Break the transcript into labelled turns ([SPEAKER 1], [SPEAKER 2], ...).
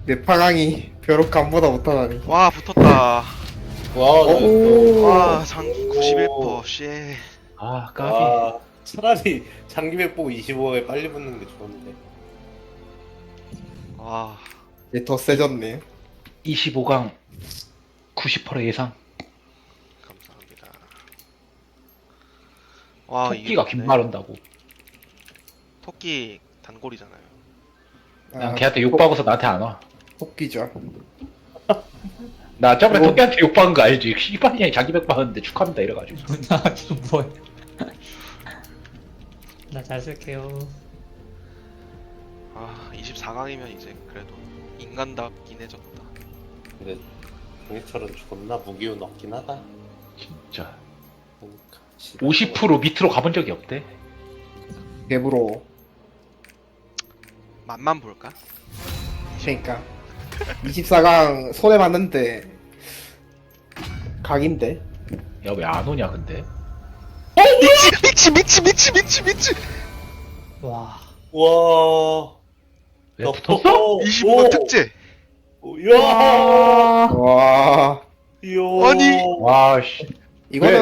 [SPEAKER 1] 내 파강이 벼룩 간보다 못하다니.
[SPEAKER 2] 와 붙었다.
[SPEAKER 1] 오.
[SPEAKER 2] 와 장기 91%. 씨.
[SPEAKER 3] 아 까비.
[SPEAKER 4] 아, 차라리 장기백 보고 25에 빨리 붙는 게 좋은데.
[SPEAKER 2] 와.
[SPEAKER 1] 얘 더 세졌네.
[SPEAKER 3] 25강 90% 예상.
[SPEAKER 2] 감사합니다. 와
[SPEAKER 3] 토끼가
[SPEAKER 2] 이게
[SPEAKER 3] 긴말한다고.
[SPEAKER 2] 토끼 단골이잖아요.
[SPEAKER 3] 난 걔한테 욕박아서 나한테 안 와.
[SPEAKER 1] 토끼죠.
[SPEAKER 3] 나 저번에
[SPEAKER 1] 그리고-
[SPEAKER 3] 토끼한테 욕박은 거 알지? 씨발년이 자기 백 박았는데 축하합니다 이래가지고.
[SPEAKER 5] 나 지금 뭐야? 나 잘 쓸게요.
[SPEAKER 2] 아 24강이면 이제 그래도 인간답긴 해졌다.
[SPEAKER 4] 근데 종이철은 존나 무기운 없긴 하다.
[SPEAKER 3] 진짜.
[SPEAKER 4] 그러니까.
[SPEAKER 3] 50% 밑으로 가본 적이 없대.
[SPEAKER 1] 개부러워.
[SPEAKER 2] 맛만 볼까?
[SPEAKER 1] 그러니까 24강 손에 맞는데 각인데.
[SPEAKER 3] 야 왜 안 오냐 근데?
[SPEAKER 2] 미치.
[SPEAKER 5] 와.
[SPEAKER 4] 와.
[SPEAKER 3] 왜
[SPEAKER 4] 너
[SPEAKER 3] 붙었어?
[SPEAKER 2] 25 특제.
[SPEAKER 4] 이야.
[SPEAKER 1] 와.
[SPEAKER 4] 이야.
[SPEAKER 2] 아니.
[SPEAKER 3] 와 씨.
[SPEAKER 1] 이거는